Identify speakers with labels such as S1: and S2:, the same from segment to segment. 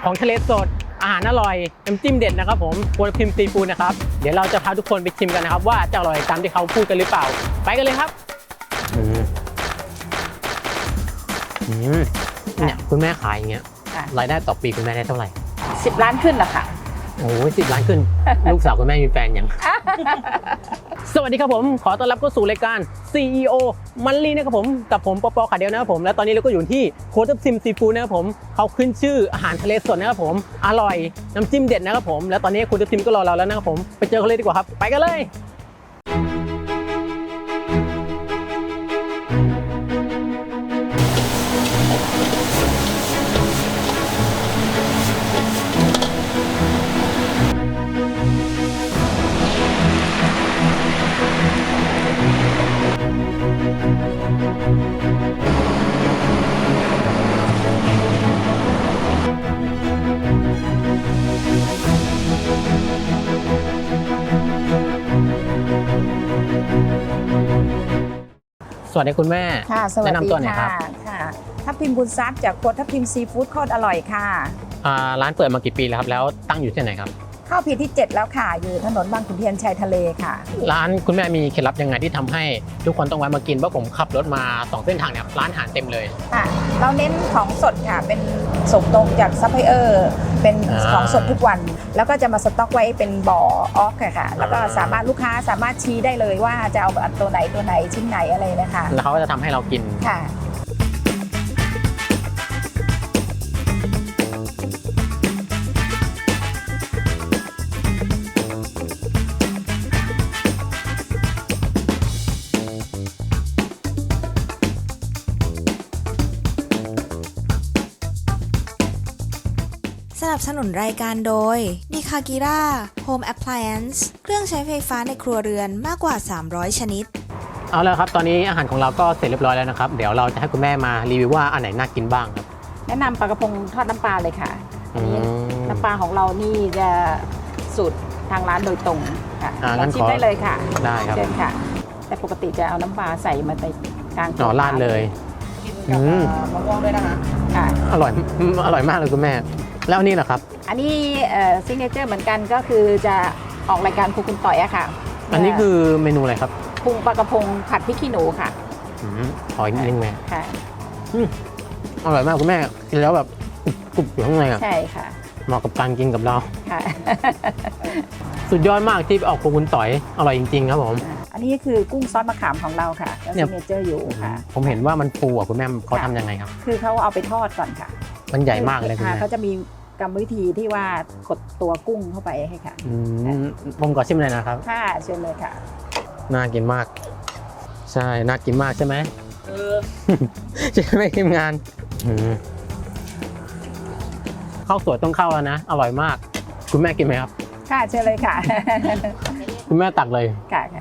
S1: ของทะเลสดอาหารอร่อยน้ำจิ้มเด็ดนะครับผมโกลพิมซีฟู้ดนะครับเดี๋ยวเราจะพาทุกคนไปชิมกันนะครับว่าจะอร่อยตามที่เขาพูดกันหรือเปล่าไปกันเลยครับเนี่ยคุณแม่ขายอย่างเงี้ยรายได้ต่อปีคุณแม่ได้เท่าไหร่
S2: 10 ล้านขึ้นละค่ะ
S1: โอ้ย10 ล้านขึ้น ลูกสาวคุณแม่มีแฟนยัง สวัสดีครับผมขอต้อนรับเข้าสู่รายการ CEO มันลีนะครับผมกับผมปอขาเดียวนะครับผมและตอนนี้เราก็อยู่ที่โคทับทิมซีฟู้ดนะครับผมเขาขึ้นชื่ออาหารทะเลสดนะครับผมอร่อยน้ำจิ้มเด็ดนะครับผมและตอนนี้โคทับทิมก็รอเราแล้วนะครับผมไปเจอเขาเลยดีกว่าครับไปกันเลยสวัสดีคุณแม่
S2: ค่ะสวัสดี
S1: แนะนำตัวหน่อยครับ
S2: ค่ะทับทิมบุญทรัพย์จากครัวทับทิมซีฟู้ดโคตรอร่อยค่ะ
S1: ร้านเปิดมากี่ปีแล้วครับแล้วตั้งอยู่ที่ไหนครับ
S2: เข้าปีที่7แล้วค่ะอยู่ถนนบางขุนเทียนชายทะเลค่ะ
S1: ร้านคุณแม่มีเคล็ดลับยังไงที่ทำให้ทุกคนต้องแวะมากินเพราะผมขับรถมา2เส้นทางเนี่ยร้านอาหารเต็มเลย
S2: ค่ะเราเน้นของสดค่ะเป็นส่งตรงจากซัพพลายเออร์เป็นของสดทุกวันแล้วก็จะมาสต็อกไว้เป็นบ่อออฟค่ะแล้วก็สามารถลูกค้าสามารถชี้ได้เลยว่าจะเอาตัวไหนชิ้นไหนอะไรนะคะ
S1: แล้วเขาก็จะทำให้เรากิน
S2: ค่ะ
S3: สนับสนุนรายการโดย Nikakira Home Appliance เครื่องใช้ไฟฟ้าในครัวเรือนมากกว่า300ชนิด
S1: เอาแล้วครับตอนนี้อาหารของเราก็เสร็จเรียบร้อยแล้วนะครับเดี๋ยวเราจะให้คุณแม่มารีวิวว่าอันไหนน่ากินบ้างครับ
S2: แนะนำปลากระพงทอดน้ำปลาเลยค่ะอันนี้น้ำปลาของเรานี่จะสูตรทางร้านโดยตรงค่ะเราชิมได้เลยค่ะ
S1: ได้ครับ
S2: เชิญค่ะแต่ปกติจะเอาน้ำปลาใส่มาในกลาง
S1: ราดเลย
S2: กินกับมะม่วงด้วยนะคะ
S1: อร่อยมากเลยคุณแม่แล้วนี่แหละครับ
S2: อันนี้ซิกเนเจอร์เหมือนกันก็คือจะออกรายการครูคุณต่อยอะค่ะ
S1: อันนี้คือเมนูอะไรครับ
S2: ปรุงปลากระพงผัดพริกขี้หนูค่ะ
S1: ขออีกนิดนึงแม่
S2: ค่ะ
S1: อร่อยมากคุณแม่กินแล้วแบบกรุบอยู่ข้างในอ่ะ
S2: ใช่ค่ะ
S1: เหมาะกับการกินกับเรา
S2: ค่ะ
S1: สุดยอดมากที่ออกครูคุณต่อยอร่อยจริงๆครับผม
S2: อันนี้คือกุ้งซอสมะขามของเราค่ะแล้วซิกเนเจอร์อยู่ค่ะ
S1: ผมเห็นว่ามันฟูอ่ะคุณแม่เขาทำยังไงครับ
S2: คือเขาเอาไปทอดก่อนค่ะ
S1: มันใหญ่มากเลยคุณแม่
S2: เขาจะมีกรรมวิธีที่ว่ากดตัวกุ้งเข้าไปให้ค่ะ
S1: ผมขอชิมเลยนะครับ
S2: ค่ะเชิญเลยค่ะ
S1: น่ากินมากใช่น่ากินมากใช่ไหมใช่ไหมทีมงานข้าวสวยต้องเข้าแล้วนะอร่อยมากคุณแม่กินไหมครับ
S2: ค่ะเชิญเลยค่ะ
S1: คุณแม่ตักเลย
S2: ค่ะค่ะ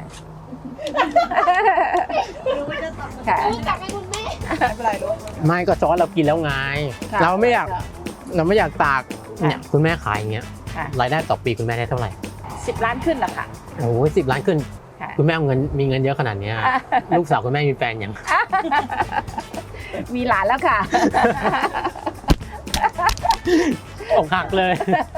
S4: ตักให้คุณแม่
S1: ไม่ก็ซอสเรากินแล้วไงเราไม่อยากตากเนี่ยคุณแม่ขายอย่างเงี้ยรายได้ต่อปีคุณแม่ได้เท่าไหร่
S2: 10 ล้านขึ้นละค่ะ
S1: โอ้ย10 ล้านขึ้นคุณแม่มีเงินเยอะขนาดนี้ลูกสาวคุณแม่มีแฟนยัง
S2: มีหลานแล้วค่ะ
S1: อกหักเลย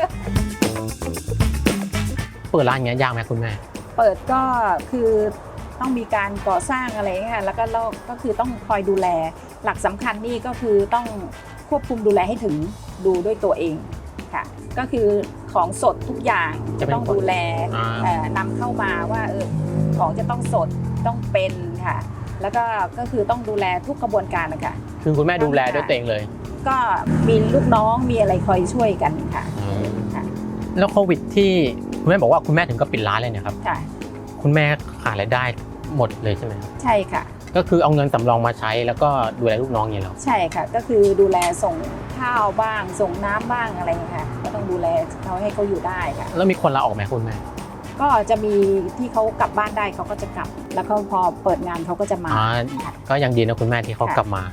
S1: เปิดร้านเงี้ยยากไหมคุณแม่
S2: เปิดก็คือต้องมีการก่อสร้างอะไรค่ะแล้วก็คือต้องคอยดูแลหลักสำคัญนี่ก็คือต้องควบคุมดูแลให้ถึงดูด้วยตัวเองค่ะก็คือของสดทุกอย่างจะต้องดูแลนำเข้ามาว่าของจะต้องสดต้องเป็นค่ะแล้วก็คือต้องดูแลทุกกระบวนการนะคะ
S1: คือคุณแม่ดูแลด้วยตัวเองเลย
S2: ก็มีลูกน้องมีอะไรคอยช่วยกันค่ะ
S1: แล้วโควิดที่คุณแม่บอกว่าคุณแม่ถึงก็ปิดร้านเลยเนี่ยครับ
S2: ค่ะ
S1: คุณแม่ขาดรายได้หมดเลยใช่ไหม
S2: ใช่ค่ะ
S1: ก็คือเอาเงินสำรองมาใช้แล้วก็ดูแลลูกน้องอย่างนี้หรอ
S2: ใช่ค่ะก็คือดูแลส่งข้าวบ้างส่งน้ำบ้างอะไรอย่างเงี้ยค่ะก็ต้องดูแลเขาให้เขาอยู่ได้ค่ะ
S1: แล้วมีคนลาออกไหมคุณแม่
S2: ก็จะมีที่เขากลับบ้านได้เขาก็จะกลับแล้วก็พอเปิดงานเขาก็จะมา
S1: ก็ยังดีนะคุณแม่ที่เขากลับมา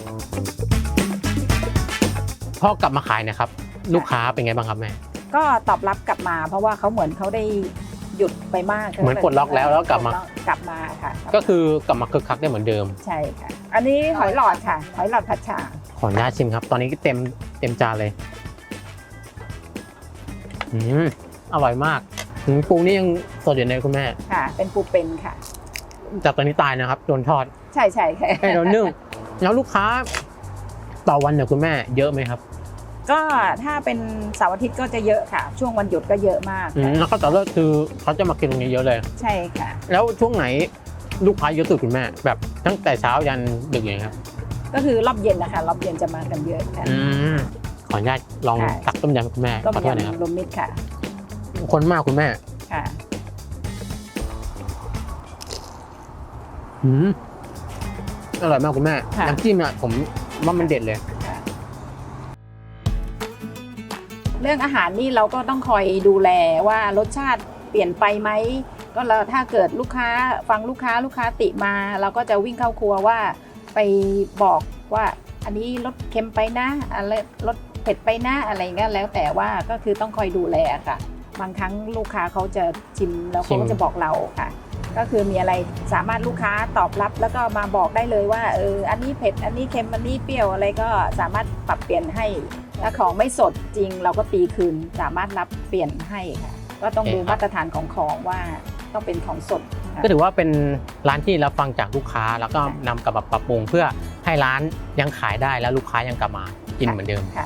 S1: พอกลับมาขายนะครับลูกค้าเป็นไงบ้างครับแม่
S2: ก็ตอบรับกลับมาเพราะว่าเขาเหมือนเขาได้หยุดไปมาก
S1: เหมือนปลดล็อกแล้วกลับมา
S2: ค่ะ
S1: ก็คือกลับมาคึกคักได้เหมือนเดิม
S2: ใช่ค่ะอันนี้หอยหลอดค่ะหอยหลอดผัดฉ่า
S1: ขออนุญาตชิมครับตอนนี้เต็มจานเลยอร่อยมากปูนี่ยังสดอยู่เลยคุณแม่
S2: ค่ะ เป็นปูเป็นค่ะ
S1: จากตอนนี้ตายนะครับโดนทอด
S2: ใช่ค่ะ
S1: ให้โดนนึ่งแล้วลูกค้าต่อวันเนี่ยคุณแม่เยอะไหมครับ
S2: ก็ถ้าเป็นเสาร์อาทิตย์ก็จะเยอะค่ะ ช่วงวันหยุดก็เยอะมากค่ะ
S1: แล้วก็ต่อเลิกคือเขาจะมากินตรงนี้เยอะเลย
S2: ใช่ค่ะ
S1: แล้วช่วงไหนลูกค้าเยอะสุดคุณแม่แบบตั้งแต่เช้ายันดึกอย่างนี้ครับ
S2: ก็คือรอบเย็นนะคะรอบเย็นจะมากันเยอะค่ะ
S1: ขออนุญาตลอง
S2: ค่ะ
S1: ตักต้มยำคุณแม่
S2: ต้ม
S1: ขอโทษนะครับ
S2: ยำรวมมิตรค่ะ
S1: คนมากคุณแม่
S2: ค่ะ
S1: อร่อยมากคุณแม่
S2: ค่ะ
S1: น้ำจิ้มเนี่ยผมว่ามันเด็ดเลย
S2: เรื่องอาหารนี่เราก็ต้องคอยดูแลว่ารสชาติเปลี่ยนไปไหมก็เราถ้าเกิดลูกค้าฟังลูกค้าติมา เราก็จะวิ่งเข้าครัวว่าไปบอกว่าอันนี้รสเค็มไปนะอะไรรสเผ็ดไปนะอะไรเงี้ยแล้วแต่ว่าก็คือต้องคอยดูแลค่ะ บางครั้งลูกค้าเขาจะชิมแล้วเขาก็จะบอกเราค่ะ ก็คือมีอะไรสามารถลูกค้าตอบรับแล้วก็มาบอกได้เลยว่าอันนี้เผ็ดอันนี้เค็มอันนี้เปรี้ยวอะไรก็สามารถปรับเปลี่ยนให้ถ้าของไม่สดจริงเราก็ตีคืนสามารถรับเปลี่ยนให้ค่ะก็ต้องดูมาตรฐานของว่าต้องเป็นของสดค่ะ
S1: ก็ถือว่าเป็นร้านที่รับฟังจากลูกค้าแล้วก็นำกลับมาปรับปรุงเพื่อให้ร้านยังขายได้แล้วลูกค้ายังกลับมากินเหมือนเดิม
S2: ค่ะ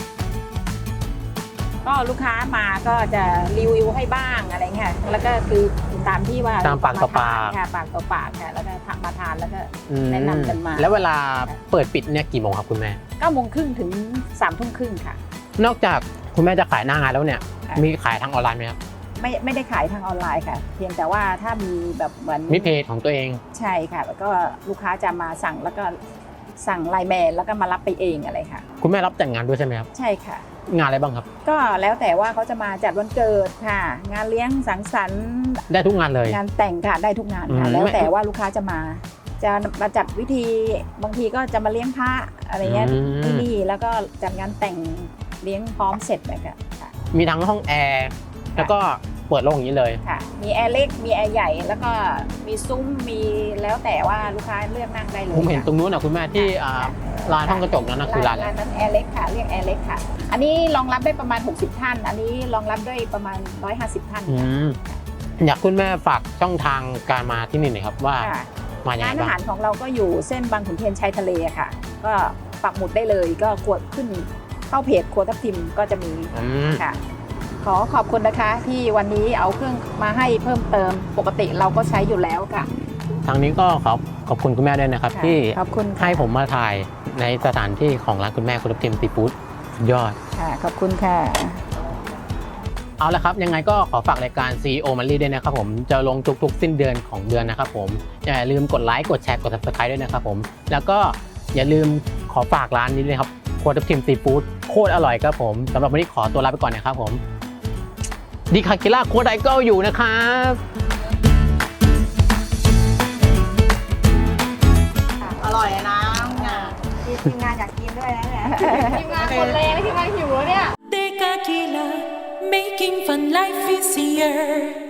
S2: ก็ลูกค้ามาก็จะรีวิวให้บ้างอะไรเงี้ยแล้วก็คือตามที่ว่า
S1: ตามปากต่อปาก
S2: ค่ะปากต่อปากค่ะแล้วก็มาทานแล้วก็แนะนำกันมา
S1: แล้วเวลาเปิดปิดเนี่ยกี่โมงครับคุณแม่
S2: 9:30 ถึง 3:30 ค่ะ
S1: นอกจากคุณแม่จะขายหน้างานแล้วเนี่ย
S2: ค่ะ
S1: มีขายทางออนไลน์ไหมครับ
S2: ไม่ได้ขายทางออนไลน์ค่ะ เพียงแต่ว่าถ้ามีแบบเหมือน
S1: มีเพจของตัวเอง
S2: ใช่ค่ะ แล้วก็ลูกค้าจะมาสั่งแล้วก็สั่งไลน์แมนแล้วก็มารับไปเองอะไรค่ะ
S1: คุณแม่รับแต่งงานด้วยใช่ไหมครับ
S2: ใช่ค่ะ
S1: งานอะไรบ้างครับ
S2: ก็แล้วแต่ว่าเขาจะมาจัดวันเกิดค่ะ งานเลี้ยงสังสรรค์
S1: ได้ทุกงานเลย
S2: งานแต่งค่ะได้ทุกงานค่ะ แล้วแต่ว่าลูกค้าจะมาจัดวิธีบางทีก็จะมาเลี้ยงพระอะไรเงี้ยที่นี่แล้วก็จัดงานแต่งเลี้ยงพร้อมเสร็จเลยค่ะ
S1: มีทั้งห้องแอร์แล้วก็เปิดโล่งอย่างนี้เลย
S2: ค่ะ มีแอร์เล็กมีแอร์ใหญ่แล้วก็มีซุ้มมีแล้วแต่ว่าลูกค้าเลือกนั่งได้เลย
S1: ผมเห็น
S2: ค่ะ
S1: ตรงนู้นนะคุณแม่ที่ร้านห้องกระจกนั้นนะคือร้านอะไร
S2: ร้านนั้นแอร์เล็กค่ะเรียกแอร์เล็กค่ะ อันนี้รองรับได้ประมาณ60ท่านอันนี้รองรับได้ประมาณ150ท่านค่ะ
S1: อยากคุณแม่ฝากช่องทางการมาที่นี่หน่อยครับว่า
S2: ค่ะ
S1: มาอย่าง
S2: ร้า
S1: ไร
S2: นอา
S1: บ้า
S2: หาง รของเราก็อยู่เส้นบางขุนเทียนชายทะเลค่ะ ก็ปักหมุดได้เลยก็กดขึ้นเข้าเพจครัวทับทิมก็จะมีค่ะ ขอขอบคุณนะคะที่วันนี้เอาเครื่องมาให้เพิ่มเติมปกติเราก็ใช้อยู่แล้วค่ะ
S1: ทางนี้ก็ขอบคุณคุณแม่ด้วยนะครับ
S2: ค่ะ
S1: ที่
S2: ขอบคุณค่ะ
S1: ให้ผมมาถ่ายในสถานที่ของร้านคุณแม่คุณทับทิมซีฟู้ดสุดยอด
S2: ค่ะขอบคุณค่ะ
S1: เอาละครับยังไงก็ขอฝากรายการ CEO Monthly ด้วยนะครับผมจะลงทุกๆสิ้นเดือนของเดือนนะครับผมอย่าลืมกดไลค์กดแชร์กด Subscribe ด้วยนะครับผมแล้วก็อย่าลืมขอฝากร้านนี้เลยครับครัวทับทิมซีฟู้ดโคตรอร่อยครับผมสำหรับวันนี้ขอตัวลาไปก่อนนะครับผมดีคาคิล่าโค้ดไอเกิลอยู่นะครับ
S4: อร่อยนะทีมงานอยากกินด้วยนะเนี่ยทีมงานคนแรงทีมงานหิวแล้วเนี่ย
S5: Tequila, making fun life easier.